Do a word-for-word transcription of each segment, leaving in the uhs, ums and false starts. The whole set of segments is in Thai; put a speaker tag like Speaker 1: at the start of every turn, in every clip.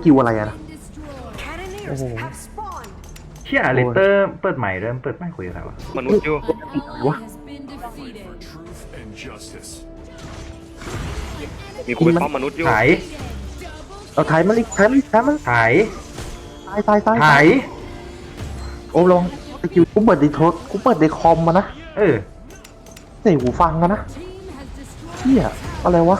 Speaker 1: กิลอะไรอะนะโอ้โห
Speaker 2: เชี่ยเลเตอร์เปิดใหม่เริ่มเปิดใหม่คุยอะไรวะ
Speaker 3: มนุษย์อยู่
Speaker 1: วะ
Speaker 3: มีคนเป็นป้อมมนุษย์อยู่
Speaker 2: ถ่าย
Speaker 1: เอาถ่ายมันอีกถ่ายมันอีกถ่ายมัน
Speaker 2: ถ่าย
Speaker 1: ตายตายตาย
Speaker 2: ถ่าย
Speaker 1: โอ้ลองสกิลกูเปิดในโทรกูเปิดในคอมมานะ
Speaker 2: เออ
Speaker 1: ใส่หูฟังกันนะเชี่ยอะไรวะ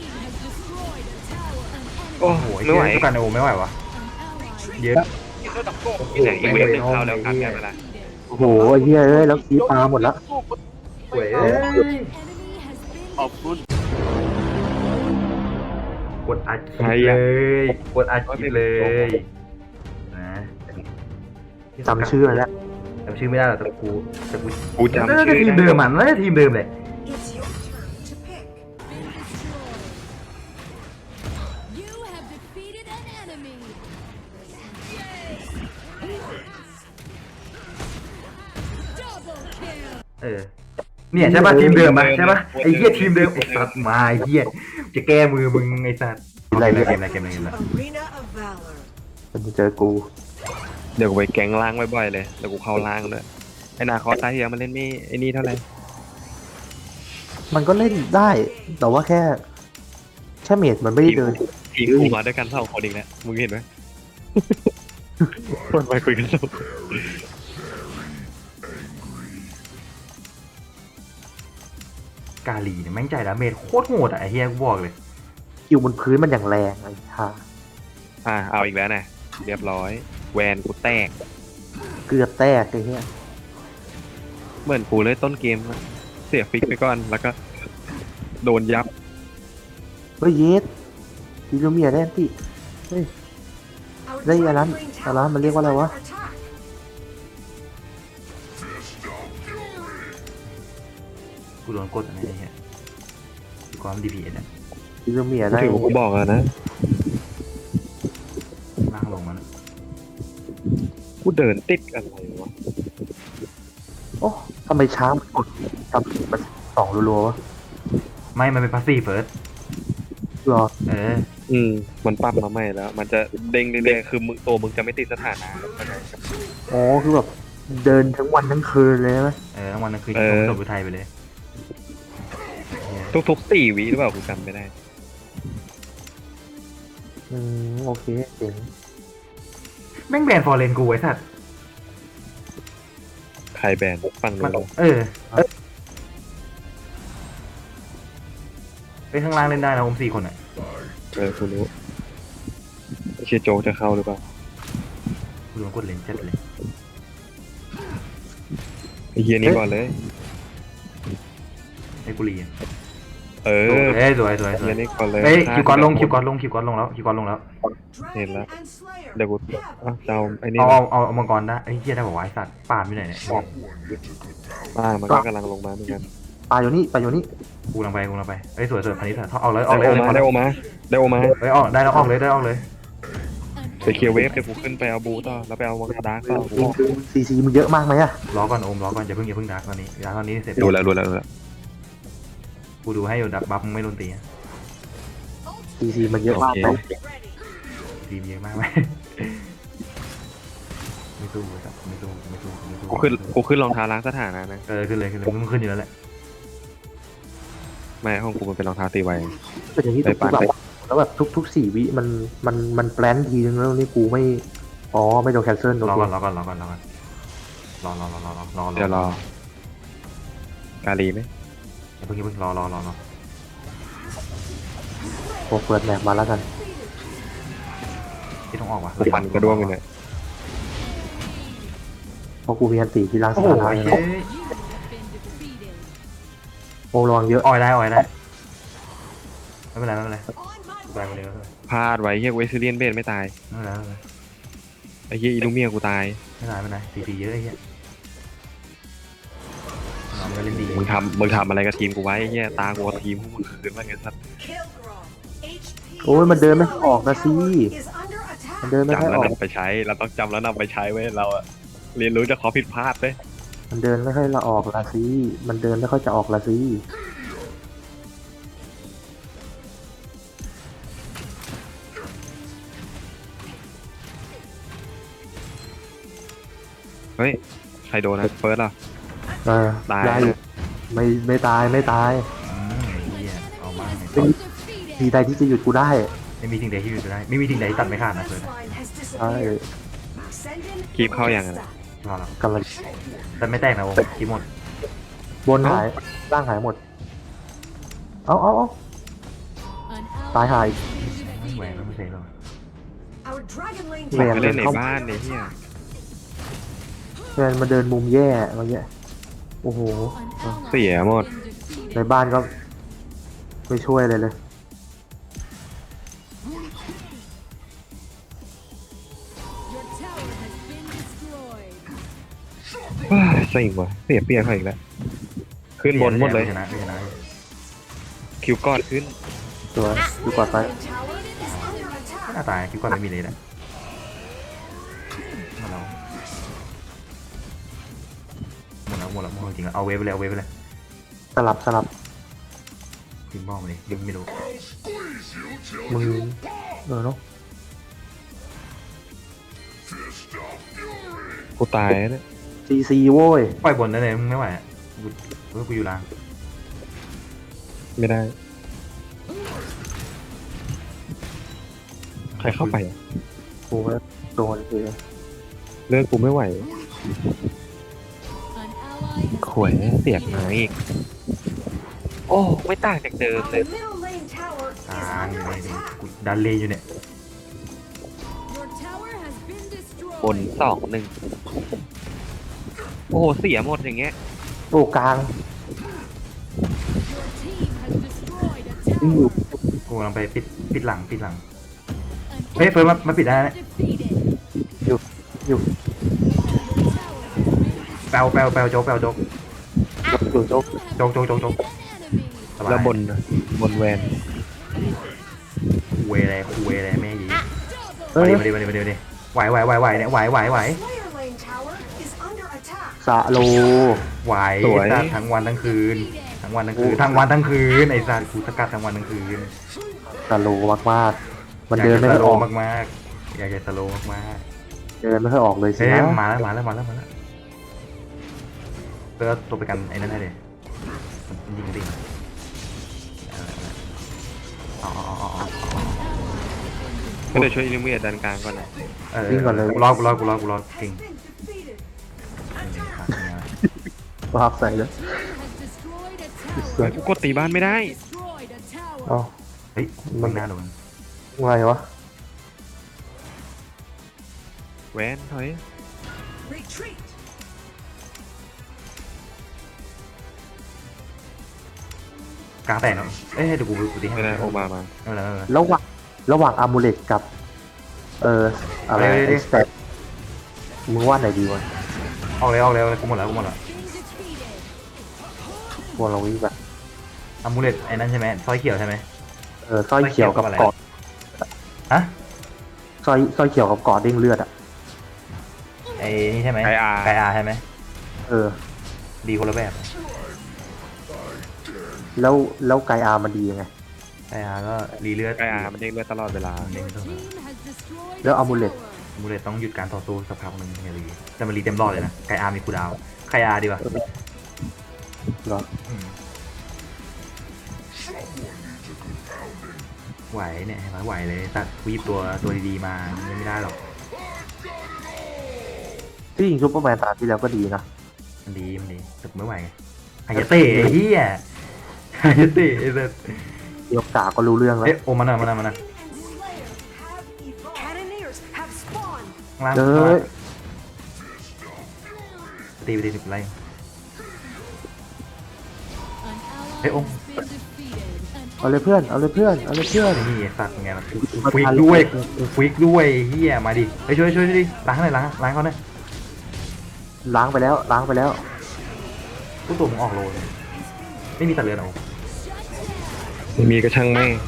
Speaker 3: โอ้
Speaker 2: โอ้
Speaker 3: โห
Speaker 2: โห
Speaker 3: ไม่ไหว
Speaker 2: ทุกการโอไม่ไหววะเยอะ
Speaker 3: ที่ไหนอีเวฟหนึ่งเข้าแล้วกันได้เวลา
Speaker 1: โอ้โหไอ้เหี้ยเอ้ยแล้วคีปลาหมดละ
Speaker 2: สวยเอ้ย
Speaker 3: ขอบคุณ
Speaker 2: กดอัดคลิปเลยกดอัดคลิปเลยนะ
Speaker 1: จำชื่ออะไรแล้ว
Speaker 2: จำชื่อไม่ได้หรอกแต่กูแต่กู
Speaker 3: กูจำชื่อ
Speaker 2: ทีมเดิมมันน่าจะทีมเดิมเลย เออเนี่ยใช่ป่ะทีมเดิมป่ะใช่ป่ะไอ้เหี้ยทีมเดิมไอ้สัตว์มาไอ้เหี้ยจะแก้มือมึงไอ้สัตว์อะไรเกมอะไรเกมอะไรเกมอะไร
Speaker 1: มันจะเจอกู
Speaker 3: เดี๋ยวกูไปแก๊งล่างบ่อยๆเลยเดี๋ยวกูเข้าล่างด้วยไอ้นาคอสตาเฮียมันเล่นไม่ไอ้นี่เท่าไหร่
Speaker 1: มันก็เล่นได้ แต่ว่าแค่แค่เมดมันไม่ได้เดิน
Speaker 3: ทีมกูมาด้วยกันเท่าคนอีกแล้วมึงเห็นไหมคนไปคุยกันสอง
Speaker 2: กาลีเนี่ยแม่งใจดาเมจโคตรโหดอ่ะไอ้เฮียกูบอกเลย
Speaker 1: คิวบนพื้นมันอย่างแรงไอ้ท่า
Speaker 3: อ่าเอาอีกแล้วนะเรียบร้อยแวนกูแตก
Speaker 1: เกือบแตกไอ้เหี้ย
Speaker 3: เหมือนกูเลยต้นเกมนะเสียฟิกไปก่อนแล้วก็โดนยับ
Speaker 1: เฮ้ยเยสดิโลเมียได้อันติเฮ้ยได้อันนั้นอันนั้นมันเรียกว่าอะไรวะ
Speaker 2: กูโดนกดอะไรไอ้เฮียความดีพีเอ็นอ่ะ
Speaker 1: ดิโลเมีย
Speaker 3: กู
Speaker 1: ได้
Speaker 3: ถือว่ากูบอกอะนะ
Speaker 2: ล่างลงมัน
Speaker 3: กูเดินติดอะไรวะ
Speaker 1: โอ้ทำไมช้ามันกดทำมันสองรัวๆวะ
Speaker 2: ไม่มันเป็นพาสซีฟเฟิร์ส
Speaker 1: รอ
Speaker 2: เออ
Speaker 3: อืมมันปรับมาใหม่แล้ว มันจะเด้งเรื่อยๆคือมึงตัวมึงจะไม่ติดสถานะ
Speaker 1: อ๋อคือแบบเดินทั้งวันทั้งคืนเลยใช่ไหม
Speaker 2: เออทั้งวันทั้งคืน
Speaker 3: เออ
Speaker 2: จบไปไทยไปเลย
Speaker 3: ทุกๆสี่วิหรือเปล่ากูจำไม่ได้
Speaker 1: อืมโอเคเจ๋ง
Speaker 2: แม่งแบนฟอร์เรนกูไอ้สัตว์
Speaker 3: ใครแบนฟัง
Speaker 2: มัน
Speaker 3: ดู
Speaker 2: เออไปข้างล่างเล่นได้นะผมสี่คนอ่ะ
Speaker 3: เออกูรู้ไอ้เชียโจกจะเข้าหรือเปล่า
Speaker 2: กูโดนกดเลนจัดเลย
Speaker 3: ไอ้เฮียนี่ก่อนเลย
Speaker 2: ไอ้กุลีอะ
Speaker 3: เออ
Speaker 2: เอ้ยสวยสวยสว
Speaker 3: เฮี
Speaker 2: ย
Speaker 3: ยนี่ก่อนเลย
Speaker 2: เอ้ยคิวก่อนลงคิวก่อนลงคิวก่อนลงแล้วคิวก่อนลงแล้ว
Speaker 3: เห็นแล้วเดี๋ยวกูอ่ะจะเอาไอ้นี่
Speaker 2: เอาเอาเอาเอามังกรได้ไอ้เหี้ยได้บอกว่าไอ้สัตว์ปาดไม่ไหนเนี่ย
Speaker 3: บ้างมันก็กำลังลงมาเหมือนกัน
Speaker 1: ปลาอยู่นี่ปลาอยู่นี่
Speaker 2: กูลังไปกูลังไปเอ้ยสวยสวยพันนี้สัตว์ออกเลยออกเลย
Speaker 3: ได้
Speaker 2: อ
Speaker 3: โอ
Speaker 2: อกเลย
Speaker 3: มาได้โอมาได้โอมา
Speaker 2: เอ้ยออกได้แล้วออกเลยได้ออกเลย
Speaker 3: ไปเคลียร์เวฟเดี๋ยวกูขึ้นไปเอาบูต่อแล้วไปเอาวังดาร์กต่อกู
Speaker 1: ซีซีมันเยอะมากไหมอะ
Speaker 2: รอก่อนโอมรอก่อนอย่าเพิ่งอย่าเพิ่งดักตอนนี้ดักตอนนี้เสร็จ
Speaker 3: ดูแล้วดูแล้วดูแล้ว
Speaker 2: กูดูให้อยู่ดักบัฟมึงไม่โดนตีอะ
Speaker 1: ซีซีมันเยอะมากไหม
Speaker 2: ทีมเยอะมากไหมไม่สู้เลยครับไม่สู้ไม่สู้ไม่สู้
Speaker 3: กูขึ้นกูขึ้นรองเท้าล้างสถานะนะ
Speaker 2: เออขึ้นเลยขึ้นเลยมึงขึ้นอยู่แล้วแหละ
Speaker 3: ไม่ห้องกูมันเป็นรองเท้าตีไว
Speaker 1: เป็นอย่างที่ทุกแบบแล้วแบบทุกทุกสี่วิมันมันมันแปลนทีนึงแล้วนี่กูไม่อ๋อไม่โดนแคนเซิลโอ
Speaker 2: รอ
Speaker 1: เค
Speaker 2: ก่อนรอก่อนรอก่อนรอก่อนรอรอรอรอรอรอ
Speaker 3: เดี๋ยวรอ กาลีไหม
Speaker 2: อย่าเพิ่งอย่าเพิ่งรอรอรอรอ
Speaker 1: โอ้เปิดแมปมาแล้วกัน
Speaker 2: ที่ต้องออกว่ะ
Speaker 3: กูฟันกระด้วงเลยเนี่ย
Speaker 1: เพราะกูมีอันตีที่ล้างส
Speaker 2: โอ้โห
Speaker 1: ถานะ
Speaker 2: เฮ้
Speaker 1: ใช่ไหม
Speaker 2: ย
Speaker 1: โอ้ระวังเยอะ
Speaker 2: ออยได้ออยได้ไม่เป็นไรไม่เป็นไรไปมาเลยไม่เป็นไร
Speaker 3: พลาดไว้เฮียเวสเลียนเบนไม่ตาย
Speaker 2: ไม่เป็นไรไม่เป็นไร
Speaker 3: ไอ้เฮียอีลูเมียกูตาย
Speaker 2: ไม่เป็นไรไม่เป็นไรตีตีเยอะไอ้เหี้ยน้องก็เล่นดี
Speaker 3: มึงทำมึงทำอะไรกับทีมกูไว้ไอ้เฮียตากูเอาทีมพวกมึงคืนมาไงสัตว์
Speaker 1: โอ้ยมันเดินไม่ออกนะสิมันเดินไม่ค่อย
Speaker 3: จำแล้ว
Speaker 1: ออก
Speaker 3: นำไปใช้เราต้องจำแล้วนำไปใช้ไว้เราอะเรียนรู้จากข้อผิดพลาดเว้ย
Speaker 1: มันเดินไม่ค่อยละออกละสิมันเดินไม่ค่อยจะออกละสิ
Speaker 3: ฮ้ยใครโดนนะเฟิร์สอ่ะ
Speaker 1: เออ
Speaker 3: ตาย
Speaker 1: ได้อยู่ไม่ไม่ตายไม่ตาย
Speaker 2: อืมไอ้เหี้ยเอามา
Speaker 1: เป็นทีใดที่จะหยุดกูได้
Speaker 2: ไม่มีสิ่งใดที่หยุดได้ไม่มีสิ่งใดที่ตัดไม่ขาดนะเฟิร์ส
Speaker 1: ใช่
Speaker 3: คีบเข้าอย่างนั้น
Speaker 2: รอแล้ว
Speaker 1: กำลัง
Speaker 2: แต่ไม่แตกนะโอ้ทีหมด
Speaker 1: บนหายร่างหายหมด เอาเอาเอาตายหาย
Speaker 2: แหวนไม่ใช่หรอก
Speaker 1: แหวน
Speaker 3: ไป
Speaker 1: เดิ
Speaker 3: เล่น
Speaker 1: น
Speaker 3: ใน
Speaker 1: เข้า
Speaker 3: บ้านเนี่ยเฮีย
Speaker 1: แหวนมาเดินมุมแย่เมื่อกี้โอ้โห
Speaker 3: เสียหมด
Speaker 1: ในบ้านก็ไม่ช่วยเลยเลย
Speaker 3: ว้าเสิ่งว่ะเสียเปรียกเขาอีกแล้วขึ้นบนหมดเลย
Speaker 2: ชนะชนะ
Speaker 3: คิวกอดขึ้น
Speaker 1: ตัวดูกอดไป
Speaker 2: หน้าตายคิดว่าไม่มีเลยนะหมดแล้วหมดแล้วหมดแล้วหมดจริงแล้วเอาเวฟไปเลยเอาเวฟไปเลย
Speaker 1: สลับสลับ
Speaker 2: ทีมบอลมาเลยยังไม่รู้
Speaker 1: มึงเออเนาะ
Speaker 3: กูตายแล้วเนี่ย
Speaker 1: ซีซีโว้ย
Speaker 2: ปล่อยบนได้เลยมึงไม่ไหวกูกูอยู่ล่าง
Speaker 3: ไม่ได้ ใครเข้าไปอะ
Speaker 1: กูก็โดนคือ
Speaker 3: เลิกกูไม่ไหวขวยเสียกมาอีกโอ้ไม่ต่างจากเดิมเลย
Speaker 2: กลางอยู่เลยกูดันเลอยู่เนี่ย
Speaker 3: บนสองหนึ่งโอ้โหเสียหมดอย่างเงี้ย
Speaker 1: โอ้กลางอือ
Speaker 2: กูกำลังไปปิดปิดหลังปิดหลังเฮ้ยเฟิร์นมามาปิดได้นะ
Speaker 1: อยู่อยู่
Speaker 2: แปลวแปลวแปลวโจ๊กแปลวโจ๊ก
Speaker 1: อยู่โจ๊ก
Speaker 2: โจ๊กโจ๊กโจ๊กโจ๊กสบาย
Speaker 3: แล้วบนน่ะบนแวน
Speaker 2: คุยอะไรคุยอะไรแม่ยี
Speaker 1: เอ
Speaker 2: มาดิ
Speaker 1: อ
Speaker 2: มาดิมาดิมาดิมาดิไหวไหวไหวไหวเนี่ยไหวไหวไหว
Speaker 1: สะโล
Speaker 2: ไหวสัตว์ทั้งวันทั้งคืนทั้งวันทั้งคืนทั้งวันทั้งคืนไอ้สัตว์กูสกัดทั้งวันทั้งคืน
Speaker 1: สะโลมากๆมันเดินไม่
Speaker 2: อยาก
Speaker 1: ค่
Speaker 2: จะ
Speaker 1: อย
Speaker 2: ส
Speaker 1: อ
Speaker 2: โล
Speaker 1: อก
Speaker 2: มากๆอยากจะสโลมาก
Speaker 1: เดินไม่ค่อยออกเลย
Speaker 2: ๆ
Speaker 1: สิ
Speaker 2: เฮ้ย
Speaker 1: นะ
Speaker 2: มาแล้วมาแล้วมาแล้วมาแล้วเพื่อตัวไปกันไอ้นั่นให้เลยยิงดิอ๋ออ๋ออ๋อ
Speaker 3: ก็เลยช่วยอิลูเมียดันกลางก่อนนะ
Speaker 2: เออกูรอกูรอกูรอกูรอเก่ง
Speaker 1: ภาพใส่แล้ว
Speaker 3: เฮ้ยกูกดตีบ้านไม่ได้
Speaker 1: อ๋อ
Speaker 2: เฮ้ยมึงหน้าโดน
Speaker 1: อะไรวะ
Speaker 3: แวนถอย
Speaker 2: กลางแตกเนาะเอ้ยเดี๋ยวกูกูตีให้
Speaker 3: ไม่ได้โอมามา
Speaker 2: ไม่เป็นไรไม่เป็นไร
Speaker 1: ระหว่างระหว่างอามูเลตกับ เอออะไร
Speaker 2: เดี๋ยวเดี๋ยว
Speaker 1: ไอ้สเตปมึงว่าไหนดีวะ
Speaker 2: ออกเลยออกเลยกูหมดแล้วกูหมดแล้ว
Speaker 1: พวกเราวิ่งไป
Speaker 2: อามูเลตไอ้นั่นใช่ไหมสร้อยเขียวใช่ไหม
Speaker 1: เออสร้อยเขียวกับ
Speaker 2: สร้อยเขียวกับอะไร
Speaker 1: กอด
Speaker 2: ฮะ
Speaker 1: สร้อยสร้อยเขียวกับกอดเด้งเลือดอ่ะ
Speaker 2: ไอ้นี่ใช่ไหม
Speaker 3: ไกอา
Speaker 2: ไกอาใช่ไหม
Speaker 1: เออ
Speaker 2: ดีคนละแบบ
Speaker 1: แล้วแล้วไกอามันดียังไง
Speaker 2: ไกอาก็รีเลือด
Speaker 3: ไกอามันเด้งเลือดตลอดเวลา
Speaker 2: เด้งตลอด
Speaker 1: แล้วอามูเลต
Speaker 2: อามูเลตต้องหยุดการต่อสู้สักพักหนึ่งอย่ารีแต่มันรีเต็มรอดเลยนะไกอามีคูลดาวน์ไกอาดีกว่า
Speaker 1: เหรอ
Speaker 2: อืมไหวเนี่ยเห็นไหมไหวเลยตัดวีบตัวตัวดีๆมายังไม่ได้หรอก
Speaker 1: ที่ยิงซูเปอร์แมนตาที่แล้วก็ดีนะ
Speaker 2: มันดีมันดีแต่กูไม่ไหวไงฮายาเตะไอ้เฮียฮายาเตะไอ้สัส
Speaker 1: เดียวกาก็รู้เรื่องแล้ว
Speaker 2: เอ๊ะโอมาหน่อยมาหน่อยมาหน่อยข้างล่าง
Speaker 1: เอ
Speaker 2: ข้างล่า
Speaker 1: อง
Speaker 2: ตีไปตีสิบไล่เฮ้ยโอม
Speaker 1: เอาเลยเพื่อนเอาเลยเพื่อนเอาเลยเพื่อน
Speaker 2: ไอ้นี่ไอ้สัตว์ไงล่ะกูกูฟิกด้วยกูกูฟิกด้วยไอ้เฮียมาดิไปช่วยช่วยช่วยดิล้างหน่อยล้างล้างเขาหน่อย
Speaker 1: ล้างไปแล้วล้างไปแล้ว
Speaker 2: ตู้ตัวมึงออกโลเลยไม่มีตัดเลือนเอา
Speaker 3: ไม่มีก็ช่างแม่ง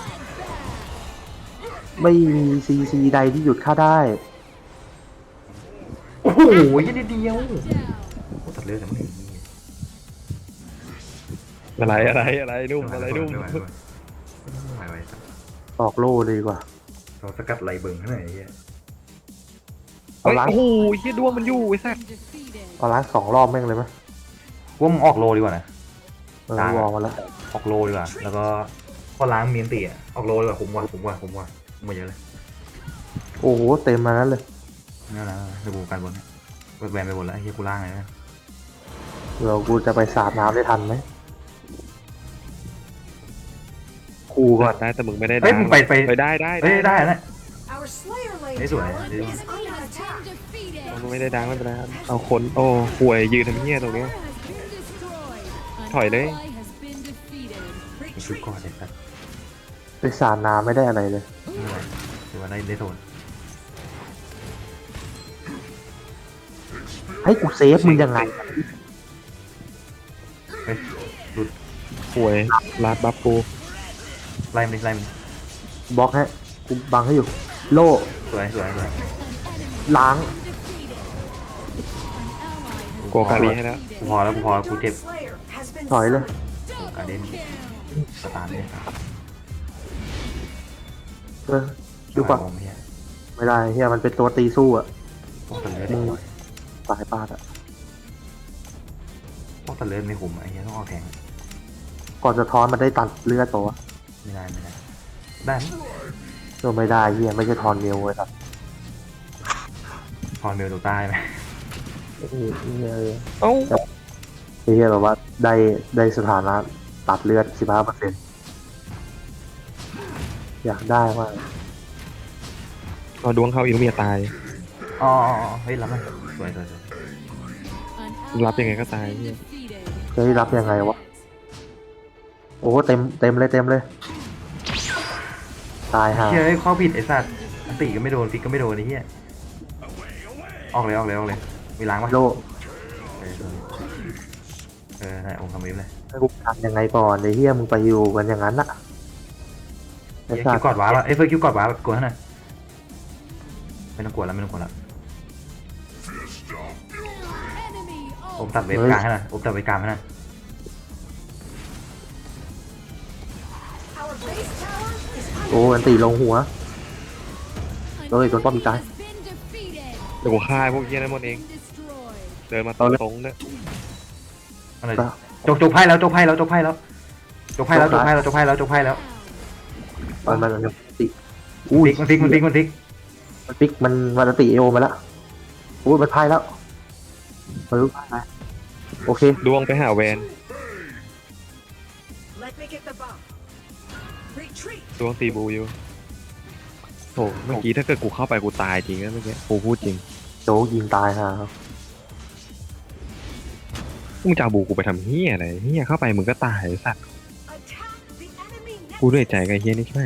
Speaker 1: ไม่มีซีซีใดที่หยุดข้าได้
Speaker 2: โอ้โหยี่นิดเดียวโอ้ตัดเลือนแต่ไม่เห็น
Speaker 3: อะไรอะไรอะไรนุ่มอะไรนุ่ม
Speaker 2: ไม่ไหวไม่ไหวไม่ไหวไม่ไหว
Speaker 1: ออกโล่เลยดีกว่า
Speaker 2: เราสกัดไหลเบิ่งให้หน่อยไอ้เฮีย
Speaker 1: เอาล้าง
Speaker 3: โอ้โหเฮียดวงมันอยู่ไอ้สัส
Speaker 1: เอาล้างสองรอบแม่งเลยไหม
Speaker 2: ว่ามึงออกโลดีกว่านะ
Speaker 1: เออ
Speaker 2: ล้าง
Speaker 1: ว
Speaker 2: อะ
Speaker 1: อลมาแล้ว
Speaker 2: ออกโลดีกว่าแล้วก็พอล้างเมียนตีอะออกโลดีกว่าคุ้มกว่าคุ้มกว่าคุ้มกว่าคุ้มกว่าเยอะเลย
Speaker 1: โอ้โหเต็มมานั้นเลย
Speaker 2: นี่นะเดี๋ยวกูกันบนเนี่ยแบนไปบนแล้วไอ้เหี้ยกูล่างเลยนะ
Speaker 1: เดี๋ยวกูจะไปสาดน้ำได้ทันไหมครูก่อน
Speaker 3: ได้แต่มึงไม่ได้
Speaker 2: เฮ้ยมึงไปไป
Speaker 3: ไปได้ได้
Speaker 2: เฮ้ยได้นะ
Speaker 4: Hey,
Speaker 2: Đấy rồi, đấy rồi.
Speaker 4: is under attack.
Speaker 3: มึงไม่ได้ดังไม่เป็นไรเอาคนโอ้ห่วยยืนทำเฮียตรงเนี้ย ถอยเลย
Speaker 2: มีชุดก่อนเลยครับ
Speaker 1: ไปสาดน้ำไม่ได้อะไรเลย
Speaker 2: ไม่เป็นไรถือว่าได้ได้โซน
Speaker 1: ให้กูเซฟมึงยังไง
Speaker 2: เฮ้ยหลุด
Speaker 3: ห่วยลาดบัฟกู
Speaker 2: ไล่มันดิไล่มัน
Speaker 1: บล็อกให้กูบังให้อยู่ โล่
Speaker 2: สวยสวยสวย
Speaker 1: ล้าง
Speaker 3: โกกาลีให้แล้ว
Speaker 2: กูพอแล้วกูพอแล้วกูเจ็บ
Speaker 4: Slayer has been
Speaker 1: ถอยเลย
Speaker 2: กูการเด่นสตาร์ทเลย
Speaker 1: เออดูก่อน
Speaker 2: ผมเนี่ย
Speaker 1: ไม่ได้เฮียมันเป็นตัวตีสู้อะ
Speaker 2: พวกตะเลือด
Speaker 1: มึงสายปาดอะ
Speaker 2: พวกตะเลือดไม่คุ้มไอ้เหี้ยต้องเอาแทง
Speaker 1: ก่อนจะท้อนมันได้ตัดเลือดตัว
Speaker 2: ไม่ได้ไม่ได้ได้ไหม
Speaker 1: ก็ไม่ได้เฮียไม่ใช่ทอนเมลเลยครับ
Speaker 2: พอเมลตัวใต้ไหม
Speaker 1: เออเฮีย
Speaker 3: เอ้า
Speaker 1: เฮียแบบว่าได้ได้สถานะตัดเลือดสิบห้าเปอร์เซ็นต์อยากได้มาก
Speaker 3: เอาดวงเข้าอินเมียตาย
Speaker 2: อ๋ออ๋ออ๋อเฮ้ยรับไหมสวยสวยสวย
Speaker 3: รับยังไงก็ตายเฮีย
Speaker 1: จะได้รับยังไงวะโอ้เต็มเต็มเลยเต็มเลย ตายห่า
Speaker 2: เฮ้ยข้อผิดไอ้สัตว์อันติก็ไม่โดนฟิกก็ไม่โดนไอ้เหี้ยออกเลยออกเลยออกเลยมีล้างปะ
Speaker 1: โล
Speaker 2: เออเออได้องค์คำวิบเลย
Speaker 1: ให้กูทำยังไงก่อนไอ้เฮียมึงไปอยู่กันอย่างนั้นอะไอ้
Speaker 2: เฮ้ย
Speaker 1: สั
Speaker 2: คิ
Speaker 1: ต
Speaker 2: ว
Speaker 1: ว์
Speaker 2: กอดว้าป่ะเอ้ยเฟิร์สคิวกอดว้าแบบกดให้หน่อยไม่ต้องกดแล้วไม่ต้องกดแล้วผมตัดเวฟกลางให้หน่อยผมตัดเวฟกลางให้หน่อย
Speaker 4: our base tower is
Speaker 1: โอ้อันตีลงหัวเฮ้ยโดนป้อมอีกตาย
Speaker 3: เดี๋ยวกูฆ่าพวกเฮียนั้นหมดเอง เดินมาตรงๆเนี่ย
Speaker 2: เอาหน่อยดิจกจกไพ่แล้วจกไพ่แล้วจกไพ่แล้วจกไพ่แล้วจกไพ่แล้วจกไพ่แล้วจกไพ่แล้ว
Speaker 1: มันมันมันติ
Speaker 2: ฟิกมันฟิกมันฟิกมันฟิก
Speaker 1: มันปิกมันมันติเอโอมาแล้วอุ้ยมันพายแล้วมันรู้พายไหมโอเค
Speaker 3: ดวงไปหาแวน
Speaker 4: let me get the bomb. Retreat.
Speaker 3: ดวงตีบูอยู่โถเมื่อกี้ถ้าเกิดกูเข้าไปกูตายจริงนะเมื่อกี้กูพูดจริง
Speaker 1: โจ๊กยิงตายฮะ
Speaker 3: มึงจะเอาบูกูไปทำเฮียอะไรเฮียเข้าไปมึงก็ตายไอ้สัตว์
Speaker 4: Attack the enemy
Speaker 3: กูเหนื่อย
Speaker 4: next.
Speaker 3: ใจกับไอ้เฮียนี่ใช่ไหม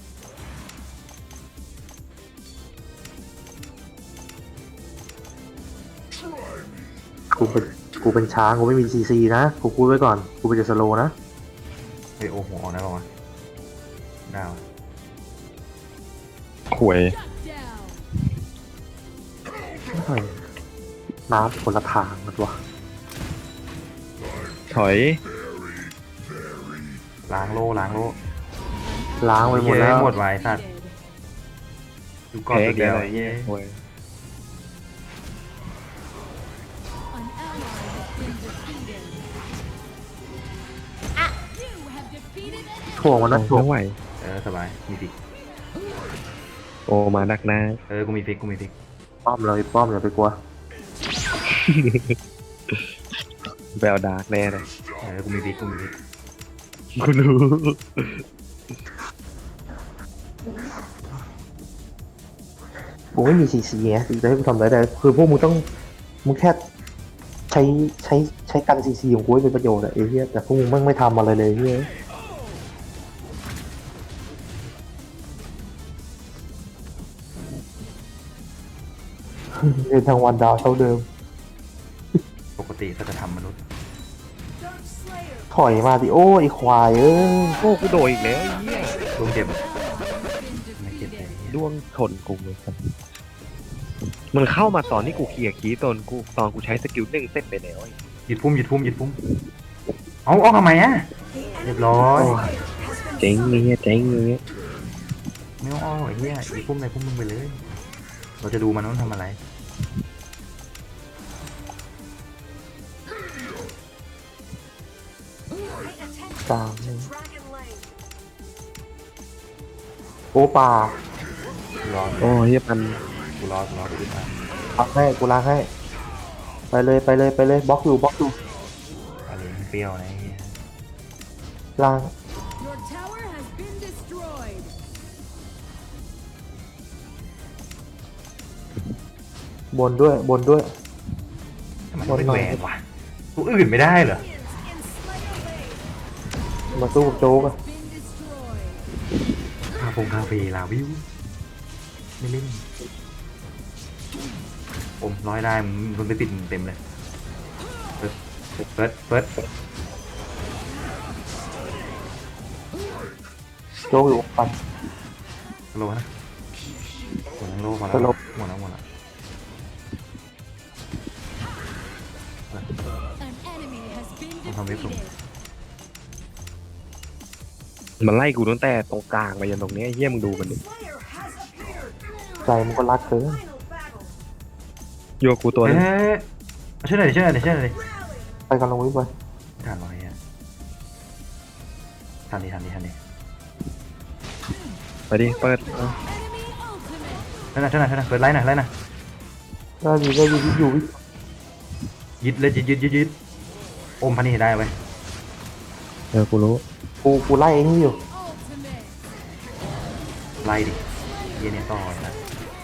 Speaker 1: กูเป็นกูเป็นช้างกูไม่มีซีซีนะกูพูดไว้ก่อนกูเป็นจะสโลนะ
Speaker 2: เฮ้ยโอ้โหออกได้ป่าวะได้วะ
Speaker 3: ขวย
Speaker 1: เฮ้ยน้ำคนละทางมันวะ
Speaker 3: ถอย
Speaker 2: ล้างโลล้างโล
Speaker 1: ล้างไปหมดแล้ว
Speaker 2: เย้หมดไว้สัตว์ดูก่อน
Speaker 3: แพ้
Speaker 2: ตัว
Speaker 3: อีก
Speaker 2: เดีย
Speaker 3: แล้ว วไอ้เฮียขวย
Speaker 1: ถ่วงมันนะถ่วง
Speaker 3: ไม่ไหว
Speaker 2: เออสบายมีฟิก
Speaker 3: โอมาดักหน้า
Speaker 2: เออกูมีฟิกกูมีฟิก
Speaker 1: ป้อมเลยป้อมอย่าไปกลัว
Speaker 3: แววดาร์กแน่เลย
Speaker 2: เออกูมีฟิกกูมีฟิก
Speaker 3: กูรู้
Speaker 1: กูไม่มีซีซีไงจะให้กูทำอะไรได้คือพวกมึงต้องมึงแค่ใช้ใช้ใช้กันซีซีของกูให้เป็นประโยชน์อะไอ้เหี้ยแต่พวกมึงไม่งไม่ทำอะไรเลยเหี้ยเดินทางวันดาวเท่าเดิม
Speaker 2: ปกติก็จะทำมนุษย์
Speaker 4: Dark Slayer.
Speaker 1: ถอยมาดิโอ้ไอควายเอ้ย
Speaker 3: โอ้กูโดนอีกแล้วไอ้เฮีย
Speaker 2: ดวงเจ็บไม่เจ็บเลย
Speaker 3: ดวงชนกูเลยครับมันเข้ามาตอนที่กูเคลียร์คีย์ตอนกูตอนกูใช้สกิลหนึ่งเสร็จไปแล้วไอ้
Speaker 2: หยุดพุ่มหยุดพุ่มหยุดพุ่มเอาเอาทำไมอ่ะ
Speaker 4: The
Speaker 2: เรียบ
Speaker 4: enemy
Speaker 2: ร้อย
Speaker 4: has been
Speaker 3: เจ๊งเงี้ยเจ๊งเงี้ย
Speaker 2: ไม่ต้องอ้อไอ้เหี้ยหยุดพุ่มในพุ่มมึงไปเลย เราจะดูมันว่ามันทำอะไร
Speaker 1: กลาง
Speaker 4: Dragon Lane.
Speaker 1: โอ้ป่า
Speaker 5: กูรอ
Speaker 3: โอ้เฮียมัน
Speaker 5: กูรอกูรอกูขึ้นมา
Speaker 1: ล้างให้กูล้างให้ ไปเลยไปเลยไปเลยบล็อกอยู่บล็อกอยู่
Speaker 5: อะไรมันเปรี้ยวนะไอ้เหี้ย
Speaker 1: ล้าง
Speaker 4: Your tower has been destroyed.
Speaker 1: บนด้วยบนด้วย
Speaker 5: ทำไมมันเป็นแหวนวะตัวอื่นไม่ได้เหรอ
Speaker 4: Minions in Slayer Lane.
Speaker 1: มาสู้กับโจ๊กอะ
Speaker 4: Been destroyed.
Speaker 2: คาฟงคาเฟ่ลาวิวไม่เล่นผมร้อยได้มึงมึงไปปิดเต็มเลยเฟิร์สเฟิร์สเฟิร์ส
Speaker 1: โจ๊กอยู่ปัน
Speaker 2: โลนะหมดแล้วโลมาแล้ว
Speaker 1: สโลว์
Speaker 2: หมดแล้วหมดแล้ว
Speaker 4: An enemy has been
Speaker 2: ต้องทำเว็บส่ง
Speaker 3: มันไล่กูตั้งแต่ตรงกลางไปยันตรงเนี้ยไอ้เฮียมึงดูมันดิ
Speaker 4: Slayer has appeared.
Speaker 1: ใจมันก็รักเกิน
Speaker 4: Final battle.
Speaker 3: โยกกูตัวนึง
Speaker 2: เอ๊ะเอาช่วยหน่อยดิช่วยหน่อยดิช่วยหน่อยดิ
Speaker 4: Rally.
Speaker 1: ไปกันลงวิปไป
Speaker 2: ทานร้อยอ่ะทันดิทันดิทันดิ
Speaker 3: ไปดิเปิดเอา
Speaker 4: Enemy ultimate.
Speaker 2: ช่วยหน่อยช่วยหน่อยช่วยหน่อยเปิดไลน์หน่อยไลน์หน่อย
Speaker 1: ได้อยู่ได้อยู่อยู่วิ
Speaker 2: ยึดเลยยึดยึดยึดยึดอมพันนี่ให้ได้ไว้ย
Speaker 3: เออกูรู้
Speaker 1: กูกูไล่ไอ้นี่อยู่
Speaker 4: Ultimate.
Speaker 2: ไล่ดิเยี่ยเนี่ยต่อเลยนะ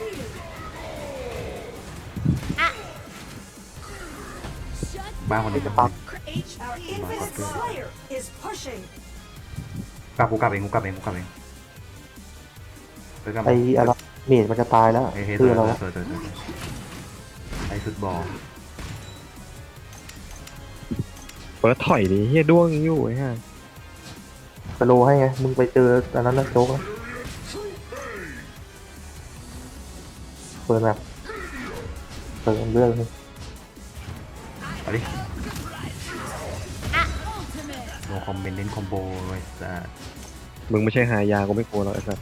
Speaker 4: Shut
Speaker 2: บ้าคนนี้จะ
Speaker 1: ปัก
Speaker 4: H. Our infinite Slayer is pushing.
Speaker 2: กลับกูกลับเองกูกลับเองกูกลับเองไปกลับ
Speaker 1: ไอ้อะไรเมดมันจะตายแล้ว
Speaker 2: เฮ้ยเฮ้ยส
Speaker 1: คือ
Speaker 2: วย
Speaker 1: อะไร
Speaker 2: สวยว
Speaker 1: ะ
Speaker 2: สวยสวยสวยไอ้ฟุตบอล
Speaker 3: เปิดถอยดิเฮียด้วงอยู่ไอ้ห่า
Speaker 1: สโลว์ให้ไงมึงไปเจออันนั้นนะโจ๊กนะเปิดแบบเปิดเรื่องนึง
Speaker 2: เอาดิ
Speaker 4: Ultimate.
Speaker 2: โนคอมเมนต์เน้นคอมโบเลยจ้ะ
Speaker 3: มึงไม่ใช่หายากูไม่กลัวหรอกไอ้สัส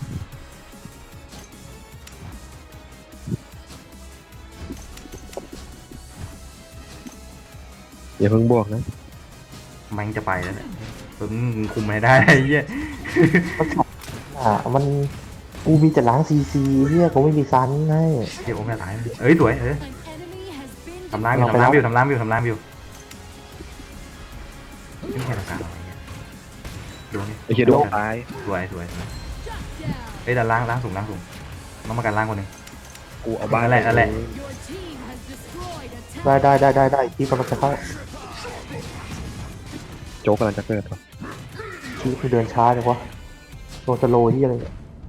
Speaker 3: อย่าเพิ่งบวกนะ
Speaker 2: แม่งจะไปแล้วเนี่ยเพิ่งคุมให้ได้ไอ้เหี้ย
Speaker 1: มันขับอ่ะมันกูมีแต่ล้างซีซีเฮียกูไม่มีซันให้
Speaker 2: เดี๋ยวผมจะตายเอ้ยสวยเอ้ย
Speaker 4: An enemy has been
Speaker 2: ทำร้านอยู่
Speaker 1: เราไป
Speaker 2: ทำร้าน
Speaker 1: แล้ว
Speaker 2: อยู่ทำร้านอยู่ทำร้านอยู่นี่แค่ตรงกลางอะไรเงี้ยดูนี่
Speaker 3: ไอ้เฮียด้วงตาย
Speaker 2: สวยสวยสวย
Speaker 4: shut down.
Speaker 2: เอ้ยแต่ล่างล่างสูงล่างสูงต้องมากันล่างคนหนึ่ง
Speaker 3: กูเอาบ้าน
Speaker 2: นั่นแหละนั่นแหละ
Speaker 4: Your team has destroyed a
Speaker 1: ได้
Speaker 4: tower.
Speaker 1: ได้ได้ได้ได้ที่กำลังจะเข้า
Speaker 3: โจ๊กกำลังจะเกิดวะ
Speaker 1: ที่คือเดินช้าจังวะโดนสโลว์ที่อะไร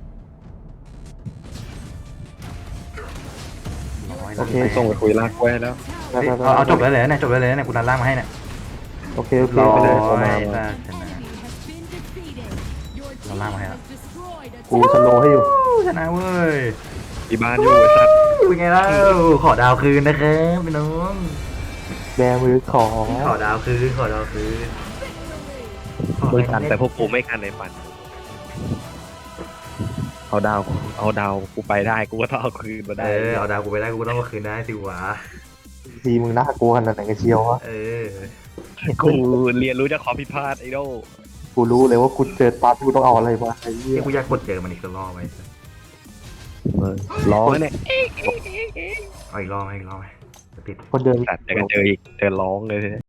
Speaker 2: ร้อย
Speaker 1: โอเค
Speaker 3: ไปส่งไปคุยลากไว้แล้ว
Speaker 1: ได้
Speaker 2: เอ้ย
Speaker 1: ได้ได้
Speaker 2: เอาเอาจบแล้วเลยเนี่ยจบแล้วเลยเนี่ยกูดันล่างมาให้เนี่ย
Speaker 1: โอเคโอเค
Speaker 2: ร้อ
Speaker 1: ไปเลย
Speaker 2: ย
Speaker 1: เอามา
Speaker 2: จ้ะชนะ
Speaker 4: Enemy has been defeated. Your
Speaker 2: Nó
Speaker 4: team
Speaker 2: lao vào
Speaker 4: has
Speaker 2: hả?
Speaker 4: destroyed a
Speaker 1: กู
Speaker 4: tower.
Speaker 1: สโลว์ให้อยู่
Speaker 2: ชนะเว้ย
Speaker 3: อีบ้านอยู่ไอ้สัส
Speaker 2: เป็นไงล่ะขอดาวคืนนะครับพี่น้อง
Speaker 1: แบมือของ
Speaker 2: ขอดาวคืนขอดาวคืน
Speaker 3: มึงกันแต่พวกกูไม่กันในฝันเอาดาวเอาดาวกูไปได้กูก็ต้องเอาคืนมา
Speaker 2: เอ
Speaker 3: ได้
Speaker 2: อเอาดาวกูไปได้กูก็ต้องมาคืนได้สิวะ
Speaker 1: ซีมึงน่ากลัวขนาดไหนกันเชียววะ
Speaker 2: เออ
Speaker 3: กูเรียนรู้จากความผิดพลาดไอ้โด
Speaker 1: กูรู้เลยว่ากูเจอปั๊บกูต้องเอาอะไรมาไอ้เหี้ย
Speaker 2: ที่กูอยากกดเจอมันอีกสักรอบไป
Speaker 3: ร้องเนี่ย
Speaker 2: เอาอีกรอบไหมอีกรอบไหมจะติด
Speaker 1: คนเดิน
Speaker 3: แต่เจอกันเจออีกเจอร้องเลยทีนี้